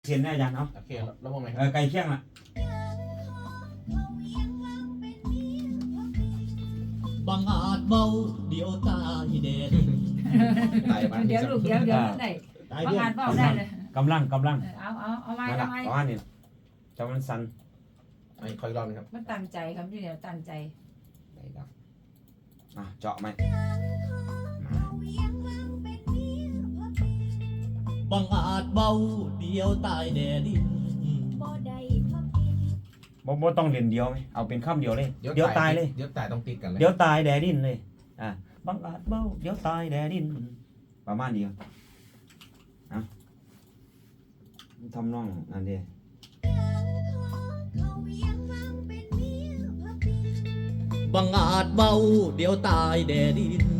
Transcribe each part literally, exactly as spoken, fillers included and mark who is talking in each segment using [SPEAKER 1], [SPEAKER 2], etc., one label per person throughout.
[SPEAKER 1] เขียนได้อาจารย์เนาะ
[SPEAKER 2] โอเคแล้วมองไหน
[SPEAKER 1] เออไก่เคี่ยงล่ะ
[SPEAKER 3] บังอาจเบาเดี๋ยวตายแดด
[SPEAKER 2] ตายบ้าน
[SPEAKER 4] เดี๋ยวลูกเดี๋ยวเดี๋ยวได้
[SPEAKER 1] ตาย
[SPEAKER 4] ประ
[SPEAKER 1] เพี้ย
[SPEAKER 4] มาน ณเบาได้เลย
[SPEAKER 1] กำลังกำลัง
[SPEAKER 4] เอาเอาเอาไม้
[SPEAKER 1] มาละ
[SPEAKER 4] เอาไม้
[SPEAKER 1] ประมาณนี้จะมันสั่น
[SPEAKER 2] ไอ้คอยรอบนึงครับ
[SPEAKER 4] มันตั้งใจครับที่เดี๋ยวตั้งใจ
[SPEAKER 1] ได้ครับอ่ะเจาะไหม
[SPEAKER 3] บังอาจเบาเดี๋ยวตายแดดดิน
[SPEAKER 1] บ่บ่ต้องเรียนเดียวไหมเอาเป็นคำเดียวเลยเดี๋ยวตายเลย
[SPEAKER 2] เดี๋ยวตายต้องติดกันเลย
[SPEAKER 1] เดี๋ยวตายแดดดินเลยอ่ะบังอาจเบ้าเดี๋ยวตายแดดดินประมาณนี้อ่ะทำน้องอันเดียว
[SPEAKER 3] บังอาจเบาเดี๋ยวตายแดดดิน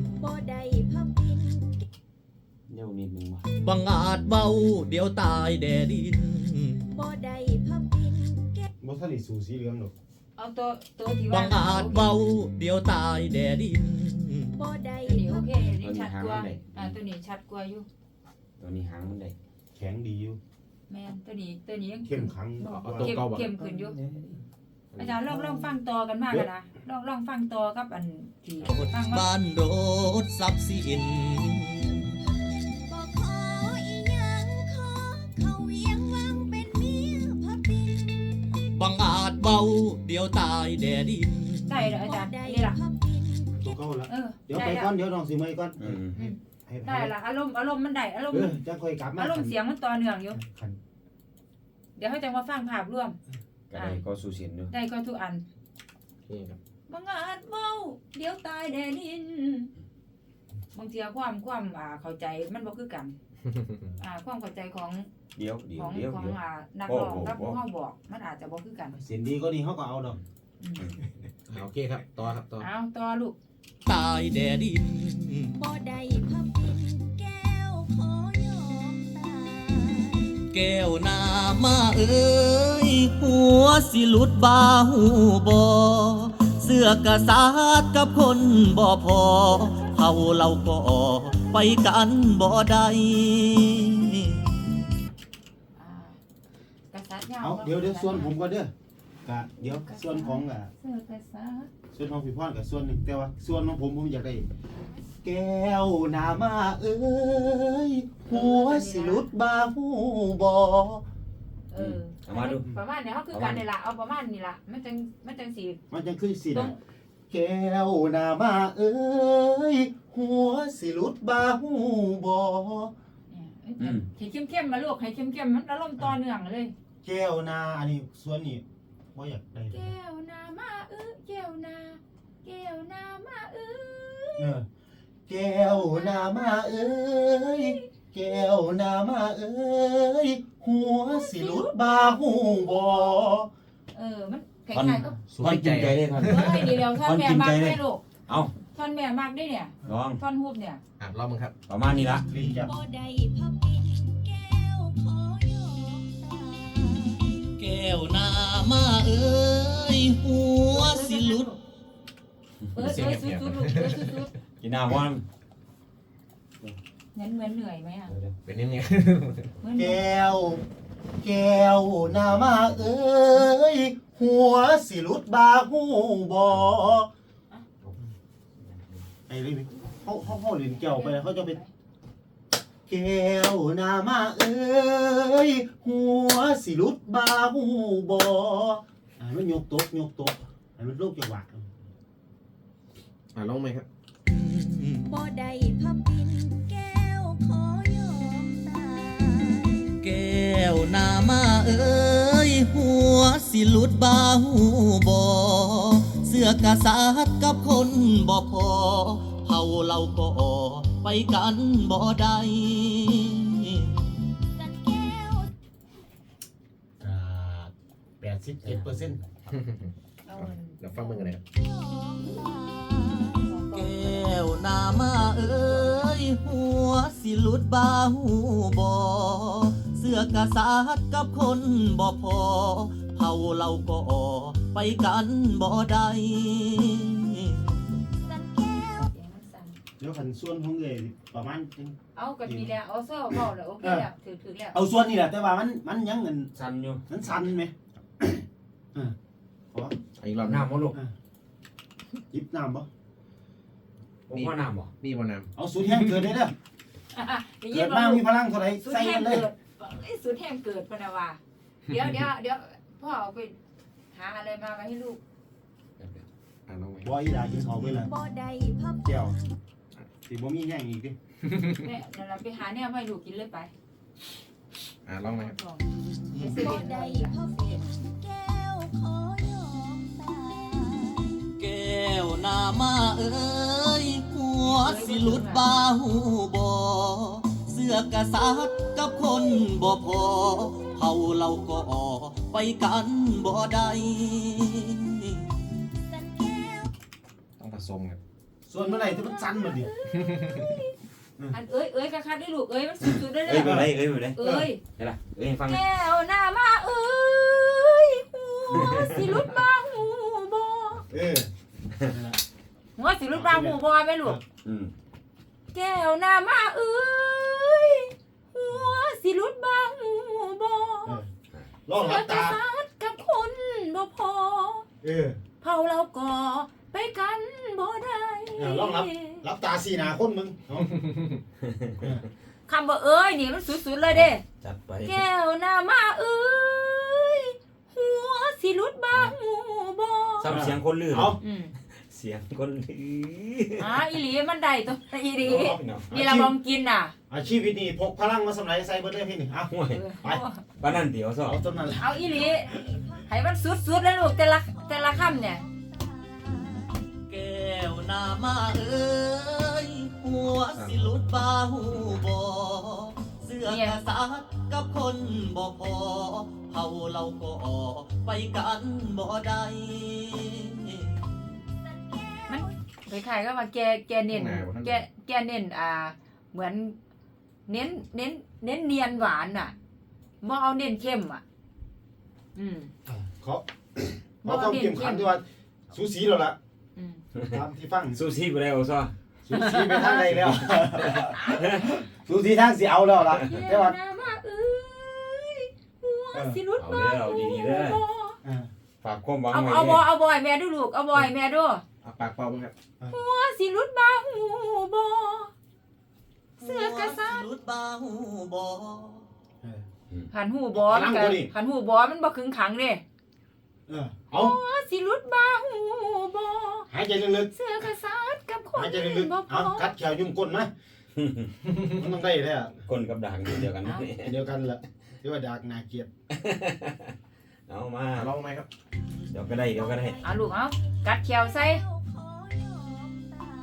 [SPEAKER 1] เดี๋ยวนิดนึงว่ะ
[SPEAKER 3] บังอาจเบาเดี๋ยวตายแดดดิน
[SPEAKER 5] บ่ทันได้สูสีเหลืองหรอก
[SPEAKER 4] เอาตัวตัวที่
[SPEAKER 3] บั
[SPEAKER 4] ว่าง
[SPEAKER 3] อาจเบาเดี๋ยวตายแดดดิน
[SPEAKER 4] ตัวนี้โอเคตัวนี้ชัดกว่าอ่าตัวนี้ชัดกว่าอยู่
[SPEAKER 1] ตัวนี้หางมันได้
[SPEAKER 5] แข็งดีอยู่
[SPEAKER 4] แม่นตัวนี้ตัวนี้ยัง
[SPEAKER 5] เข้มขัง
[SPEAKER 2] เอาตัว
[SPEAKER 4] เข้ม
[SPEAKER 2] เก่าแบบ
[SPEAKER 4] เข้มขึ้นอยู่อาจารย์ลองลองฟังต่อกันมากกันนะลองลองฟังต่อกับอันที่ฟังว่า
[SPEAKER 3] บ้านรถทรัพย์สินบังอาจเบาเดี๋ยวตายแดดดิน
[SPEAKER 4] ได้เหรออาจารย์นี่ล่ะ
[SPEAKER 5] ตัวเก่าละ
[SPEAKER 4] เออ
[SPEAKER 5] เดี๋ยว
[SPEAKER 4] ได้
[SPEAKER 5] ไป
[SPEAKER 4] ละ
[SPEAKER 5] ก่อนเดี๋ยวน้องสิเมื่อยก่อน
[SPEAKER 1] อืม
[SPEAKER 5] ให้
[SPEAKER 4] ได้ละอารมณ์อารมณ์มันได้อารมณ์
[SPEAKER 5] เอ
[SPEAKER 4] มั
[SPEAKER 5] อน จะค่อยกลับมา
[SPEAKER 4] อารมณ์เสียงมันต่อเนื่องอยู่
[SPEAKER 5] คัน
[SPEAKER 4] เดี๋ยวเขาจะมาฟังภาพรวม
[SPEAKER 1] ก็ได้ก็สู้เสียนอยู่
[SPEAKER 4] ได้ก็ทุกอัน
[SPEAKER 2] โอเคครับ
[SPEAKER 4] บังอาจเมาเดี๋ยวตายแดนินบางทีความความอ่าเข้าใจมันบ่คือกันอ่าความเข้าใจของ
[SPEAKER 1] เดี๋ยวเดี๋ย
[SPEAKER 4] ข
[SPEAKER 1] ว
[SPEAKER 4] อง
[SPEAKER 1] เดี๋ยว
[SPEAKER 4] ของ
[SPEAKER 1] เดี๋ยว
[SPEAKER 4] อ่านัก
[SPEAKER 1] โอ้
[SPEAKER 4] ร้อง
[SPEAKER 1] โห
[SPEAKER 4] กับผู้เฮาบอกมันอาจจะบ่คือกัน
[SPEAKER 5] เสียงดีก็นี่เขาก็เอาดอก
[SPEAKER 4] อืม
[SPEAKER 2] โอเคครับต่อครับต่อ
[SPEAKER 4] เอาต่อลูก
[SPEAKER 3] ตายแดดดิน
[SPEAKER 5] แ
[SPEAKER 3] ก้วนามาเอ้ยหัวสิหลุดบาหูบอเสื้อกระสาดกับคนบ่พอเฮาเราก็ไปกันบ่ได้
[SPEAKER 4] อ่ากษัตริย์ยาว
[SPEAKER 5] เอาเดี๋ยวเดี๋ยวส่วนผมก็เด้อกะเดี๋ยวส่วนของอ่ะ
[SPEAKER 4] เสื้อกษัตริย์
[SPEAKER 5] ส่วนของพี่พรกับส่วนหนึ่งแต่ว่าส่วนของผมผมอยากได้แก้วนามาเอ้ยหัวสิหลุดบาหูบ่
[SPEAKER 4] เออ
[SPEAKER 1] เอามาดู
[SPEAKER 4] ประมาณนี้เฮาคือกันนี่ล่ะเอาประมาณนี้ล่ะมันจังมันจังสิ
[SPEAKER 5] มันจังคือสิ
[SPEAKER 4] ตร
[SPEAKER 5] นะ
[SPEAKER 4] ง
[SPEAKER 5] แก้วนามาเอ้ยหัวสิหลุดบาหูบ่
[SPEAKER 4] เนี่ยให้เข้มๆมาลูกให้เข้มๆมันอารมณ์ต่อเนื่องเลย
[SPEAKER 5] แก้วนาอันนี้ส่วนนี้บ่อยากได้
[SPEAKER 4] แก้วนามาเอ้อแก้วนาแก้วนามาเอ้ย
[SPEAKER 5] เออแก้วนามาเอ้ยแก้วนามาเอ้ยหัวสิหลุดบาหูบ่
[SPEAKER 4] เออมันค
[SPEAKER 1] ท่อน
[SPEAKER 4] ล้ายๆก็
[SPEAKER 1] ท่อนกินใจเลยท่อน
[SPEAKER 4] เอ้ยดีแล้วท่อนแม่มากได้ลูก
[SPEAKER 1] เอา
[SPEAKER 4] ท่อนแม่มากได้เนี่ย
[SPEAKER 1] ลอง
[SPEAKER 4] ท่อนฮูบเนี่ย
[SPEAKER 2] อ่ะรอบมึงครับ
[SPEAKER 1] ประมาณนี้ละ
[SPEAKER 5] ลิ้นจับ
[SPEAKER 3] แก้วนามาเอ้ยหัวสิหลุด
[SPEAKER 4] เออเออสุดๆลูกเออสุด
[SPEAKER 1] กินน้ำวัน
[SPEAKER 4] ๆเหมือนเหมือนเหนื่อยไหมอ่ะ
[SPEAKER 2] เป็นนิดนึง
[SPEAKER 4] เหมือน
[SPEAKER 5] แก้วแก้วนามาเอ้ยหัวสิหลุดบาหูบ่ไอ้นี่เขาเขาเขาเล่นแก้วไปแล้วเขาจะไปแก้วนามาเอ้ยหัวสิหลุดบาหูบ่อ่ามันยกตกยกตกให้มันลูกจังหวะ
[SPEAKER 2] อ่ะลองไหมครับ
[SPEAKER 5] Ừ.
[SPEAKER 3] แก้วนามาเอ้ยหัวสิหลุดบาหูบอเสื้อกษัตริย์กับคนบ่พอเฮาเราก็ไปกันบ่ได้
[SPEAKER 5] แปดสิบเจ็ดเปอร์เซ็นต์
[SPEAKER 4] เอา
[SPEAKER 2] เดี๋ยวฟังมึงกันเลยครับ
[SPEAKER 3] แก้วนามาเอ้ยหัวสิหลุดบาหูบอเสื้อกษัตริย์กับคนบ่พอเฮาเราก็ไปกันบ่ได้
[SPEAKER 4] เสียงมันสั่น
[SPEAKER 5] เดี๋ยวขันส่วนของเอ๋ประมาณ
[SPEAKER 4] เเอากันมีแล้วเอาซ้อเว้าแล้วโอเคแล้วถือถือแล้ว
[SPEAKER 5] เอาส่วนนี่แหละแต่ว่ามันมันยังเงิน
[SPEAKER 1] สั่นอยู่
[SPEAKER 5] มันสั่นไหมเออขอ
[SPEAKER 2] อีกรอบ
[SPEAKER 1] น้ำบ่ลูก
[SPEAKER 5] หยิบน้ำบ่
[SPEAKER 1] ผมพ่อน้ำบ่
[SPEAKER 2] มีบนน้
[SPEAKER 5] เอาสูตรแห้งเกิดได้เด้อ
[SPEAKER 4] ได้ยิ
[SPEAKER 5] เกิ
[SPEAKER 4] น
[SPEAKER 5] ด
[SPEAKER 4] บ่
[SPEAKER 5] มา
[SPEAKER 4] ลู
[SPEAKER 5] มี
[SPEAKER 4] ก
[SPEAKER 5] พลังเท่าไหร่
[SPEAKER 4] สุด
[SPEAKER 5] ใส่
[SPEAKER 4] แห้
[SPEAKER 5] กั
[SPEAKER 4] ง
[SPEAKER 5] นเลย
[SPEAKER 4] เกิดไอ้สุดแห้งเกิดพะนะว่าเดี๋ยวเดี๋ยวเดี๋ยวพ่อเอาไปหาอะไรมาไว้ให้ลูก
[SPEAKER 2] ำอ่าลองไหม
[SPEAKER 5] บ่อีหลากินข้าวไปเลย
[SPEAKER 6] บ่ได้พับ
[SPEAKER 5] แก้วสิบ่มีแห้งอีกดิ
[SPEAKER 4] แม่เดี๋ยวเราไปหาเนี่ยมาให้ลูกกินเลยไป
[SPEAKER 2] อ่าลองไหมครับ
[SPEAKER 4] ไปเซ
[SPEAKER 6] บ่
[SPEAKER 4] เว่น
[SPEAKER 6] ได้
[SPEAKER 4] ได้
[SPEAKER 6] พับแก้วขอยอมตาย
[SPEAKER 3] แก้วนามาเอ้ยหัวสิหลุดบาหูบอเสื้อกษัตริย์กับคนบ่พอเฮาเราก็ออกไปกันบ่ได้
[SPEAKER 6] สันแก้ว
[SPEAKER 2] ต้องผสมครับ
[SPEAKER 5] ส่วนเมื่อไหร่ที่มันสั่นมาดิ
[SPEAKER 4] อันเอ้ยเอ้ยกะคัดได้ลูกเอ้ยมันสุดๆได้เล
[SPEAKER 1] เอ้ย
[SPEAKER 4] ย
[SPEAKER 1] บ่ได้เอ้ยบ่ได้
[SPEAKER 4] เอ้ย
[SPEAKER 1] ได้ล่ะเอ้ยให้ฟังหน่อย
[SPEAKER 4] แก้วหน้ามาเอ้ยหัวสิหลุดบาหูบอ
[SPEAKER 5] เออ
[SPEAKER 4] หัวสิหลุดบาหูบอไหมลูก
[SPEAKER 1] อืม
[SPEAKER 4] แก้วหน้ามาเอ้ยหัวสิหลุดบาหูบอ
[SPEAKER 5] ลองหลับตา
[SPEAKER 4] เสือกษัตริย์กับคนบ่พอ
[SPEAKER 5] เออ
[SPEAKER 4] เผาเราก่อไปกันบ่ได้
[SPEAKER 5] เออลองรับ รับตาสีหนาคนมึงเอา
[SPEAKER 4] คำว่าเอ้ยนี่มันสุดๆเลยเด้
[SPEAKER 1] จัดไป
[SPEAKER 4] แก้วหน้ามาเอ้ยหัวสิหลุดบาหูบอ
[SPEAKER 1] ซ้ำเสียงคนลือ
[SPEAKER 5] เอา
[SPEAKER 4] อืม
[SPEAKER 1] เสียงคนลือ
[SPEAKER 4] อ่าอีหลีมันได้ตัวอีหลี
[SPEAKER 1] เอาพี่น้อง
[SPEAKER 4] นี่เราบองกินน่ะ
[SPEAKER 5] อาชีพนี้พกพลังมาสำหรับใส่เบิดเลยพี่นี่เอา
[SPEAKER 1] ห่วย
[SPEAKER 4] เออ
[SPEAKER 5] ไป
[SPEAKER 1] ปานนั้นเดี๋ยวซอ
[SPEAKER 5] เอาต้นนั้นแหละ
[SPEAKER 4] เอาอีหลีให้มันสุดๆเลยลูกแต่ละแต่ละคำเนี่ย
[SPEAKER 3] แก้วนามาเอ้ยหัวสิหลุดบาหูบอเสื้อกษัตริย์กับคนบ่พอเฮาเราก็ออกไปกันบ่ได้
[SPEAKER 4] คล้ายๆก็ว่าแกแกเน้นแกแกเน้นอ่า เหมือน เน้นเน้น เน้นเนียนหวานน่ะบ่เอาเน้นเข้มอ่ะ อืม
[SPEAKER 5] เขาเขาต้องเข้มขันด้วยว่าสูสีแล้วล่ะ
[SPEAKER 4] อืม
[SPEAKER 5] ตามที่ฟัง
[SPEAKER 1] สู้ซีบ่ได้เอาซอ
[SPEAKER 5] สูสีไปทางใดแล้ว สูสีทางสิเอาแล้วล่ะ
[SPEAKER 4] แก้
[SPEAKER 5] แต่
[SPEAKER 4] ว
[SPEAKER 5] ว่า
[SPEAKER 4] หน้ามาเอ้ยหัวสิหลุด
[SPEAKER 1] เอา
[SPEAKER 4] บา
[SPEAKER 1] เด้อเอา
[SPEAKER 4] หู
[SPEAKER 1] ดีๆเด้อ
[SPEAKER 4] บ่
[SPEAKER 5] อ่า
[SPEAKER 1] ฝากความหวัง
[SPEAKER 4] เอา
[SPEAKER 1] ไว้
[SPEAKER 4] เอาบ
[SPEAKER 1] เด้
[SPEAKER 4] อ
[SPEAKER 1] อ
[SPEAKER 4] เอาบอยแม่ดูลูกเอาบอยแม่ดู
[SPEAKER 2] เอาปากเป่าบ้างครับ
[SPEAKER 4] หัวสิหลุดบาหูบอเสื้อกษัตริย์
[SPEAKER 3] หัวสิหลุดบาหูบอ
[SPEAKER 5] เออ
[SPEAKER 4] หันหูบอมันก็
[SPEAKER 5] พลังตัวนี้
[SPEAKER 4] หันหูบอมันบ่ครึ่งขังเด้
[SPEAKER 5] เออเอา
[SPEAKER 4] หัวสิหลุดบาหูบอ
[SPEAKER 5] หายใจลึก
[SPEAKER 4] เสื้อกษัตริย์กับค
[SPEAKER 5] ๆ
[SPEAKER 4] น
[SPEAKER 5] หายใจลึก
[SPEAKER 4] บ่
[SPEAKER 5] ๆ
[SPEAKER 4] พ
[SPEAKER 5] เอา
[SPEAKER 4] อ
[SPEAKER 5] กัดแขวยุ่มก้นไหมมันต้องได้แท้อะ
[SPEAKER 1] คนกับด่างเดียวกันนะ
[SPEAKER 5] เดียวกันแหละที่ว่าดากนาเกลียด
[SPEAKER 1] เอามา
[SPEAKER 2] อ่าลองไหมครับ
[SPEAKER 1] เดี๋ยวก็ได้เดี๋ยวก็ได้
[SPEAKER 4] เอาลูกเอากัดแขวใส่
[SPEAKER 6] แก้วขอยอมตาย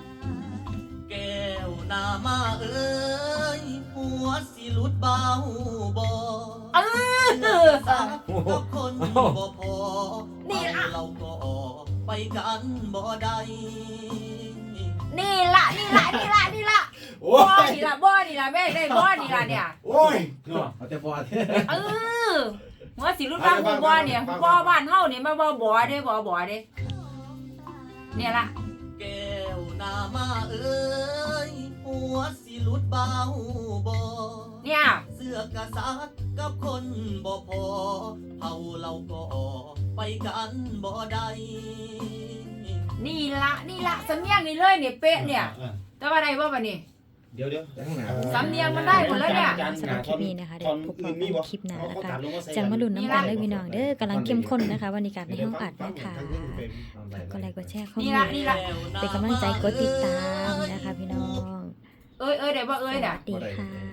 [SPEAKER 3] แก้วนามาเอ้ยหัวสิหลุดบาหูบอ
[SPEAKER 4] เออ
[SPEAKER 3] กับคนบ่พอ
[SPEAKER 4] นี่ล่ะ
[SPEAKER 3] เราก็ออกไปกันบ่ได้
[SPEAKER 4] นี่ล่ะนี่ล่ะนี่ล่ะนี่ล่ะ
[SPEAKER 5] โอ้
[SPEAKER 4] บ่
[SPEAKER 5] ย
[SPEAKER 4] นี่ล่ะบ่นี่ล่ะแม่ได้บ่นี่ล่ะเนี่ย
[SPEAKER 5] โอ้ยเนาะ
[SPEAKER 2] เอาแต่บอด
[SPEAKER 4] เออหัวสิหลุดบาหูบอเนี่ยบ่บ้านเฮานี่มาบ่บ่เด้บ่บ่เด้เนี่ยล่ะ
[SPEAKER 3] แก้วนามาเอ้ยหัวสิหลุดบาหูบอ
[SPEAKER 4] เนี่ย
[SPEAKER 3] เสื้อกษัตริย์กับคนบ่พอเฮาเราก็ออกไปกันบ่ได้
[SPEAKER 4] นี่ละนี่ละสำเนียงนี่เลยเนี่ยเป๊ะเนี่ย
[SPEAKER 5] ออ
[SPEAKER 4] แต่ว่าได้บ่บัดนี้
[SPEAKER 5] เดี๋ยวเดี๋ยว
[SPEAKER 2] ตั้งหนา
[SPEAKER 4] สำเนียงมันได้หมดแล้วเนี่ย
[SPEAKER 7] สำหรับคลิปนี้นะคะเดี๋ยวพบกันในคลิปหน้านะคะจังมาลุ้นน้ำกันเลยพี่น้องเด้อกำลังเข้มข้นนะคะวันนี้การในห้องอัดนะคะก็ไลค์กดแชร์เข้า
[SPEAKER 4] นี่
[SPEAKER 7] มา
[SPEAKER 4] ละนี่ละ
[SPEAKER 7] เป็นกำลังใจกดติดตามนะคะพี่น้อง
[SPEAKER 4] เอ้ยเอ้ยได้บ่เอ้ย
[SPEAKER 7] ส
[SPEAKER 4] น่ะ
[SPEAKER 7] วัสดีค่ะ